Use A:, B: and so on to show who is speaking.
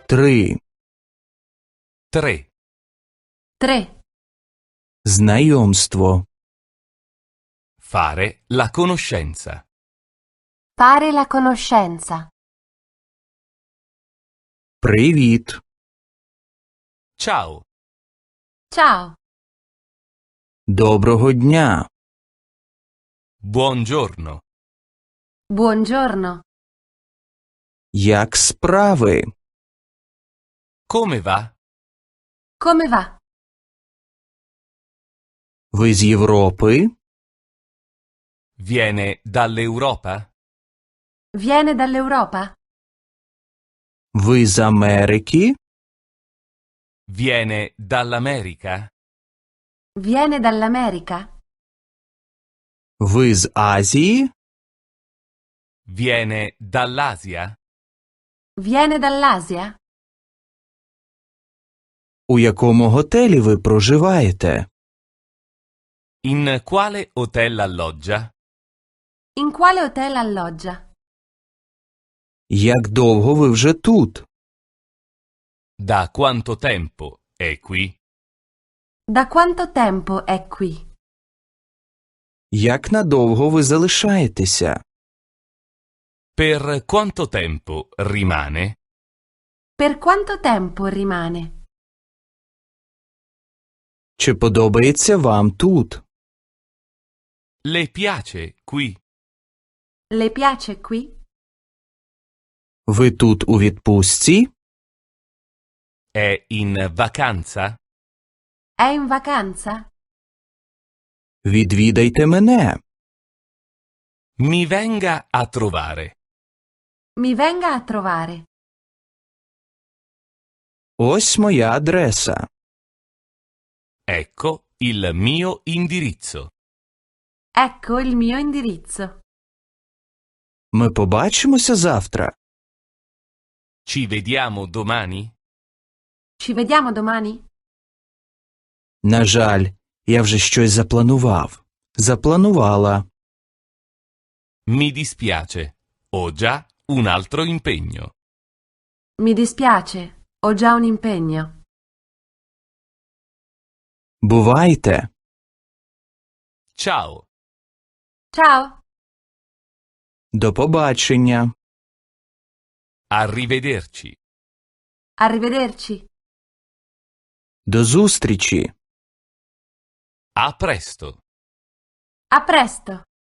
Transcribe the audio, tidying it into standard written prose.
A: 3.
B: 3.
C: 3.
A: Знайомство.
B: Fare la conoscenza.
C: Fare la conoscenza.
A: Привіт.
B: Ciao.
C: Ciao.
A: Доброго дня.
B: Buongiorno.
C: Buongiorno.
A: Як справи?
B: Come va?
C: Come va?
A: Ви з Європи?
B: Viene dall'Europa?
C: Viene dall'Europa?
A: Ви з Америки?
B: Viene dall'America?
C: Viene dall'America?
A: Ви з Азії?
B: Viene dall'Asia?
C: Viene dall'Asia?
A: У якому готелі ви проживаєте?
B: In quale hotel alloggia?
C: In quale hotel alloggia?
A: Як довго ви вже тут?
B: Da quanto tempo è qui?
C: Da quanto tempo è qui?
A: Як надовго ви залишаєтеся?
B: Per quanto tempo rimane?
C: Per quanto tempo rimane?
A: Чи подобається вам тут?
B: Le piace qui?
C: Le piace qui?
A: Ви тут у відпустці?
B: È in vacanza?
C: È in vacanza?
A: Відвідайте мене.
B: Mi venga a trovare.
C: Mi venga a trovare.
A: Ось моя адреса.
B: Ecco il mio indirizzo.
C: Ecco il mio indirizzo.
A: Ми побачимося завтра.
B: Ci vediamo domani?
C: Ci vediamo domani?
A: На жаль, я вже щось запланував. Запланувала.
B: Mi dispiace. Ho già un altro impegno.
C: Mi dispiace, ho già un impegno.
A: Бувайте.
B: Ciao.
C: Ciao.
A: До побачення.
B: Arrivederci.
C: Arrivederci.
A: До зустрічі.
B: A presto.
C: A presto.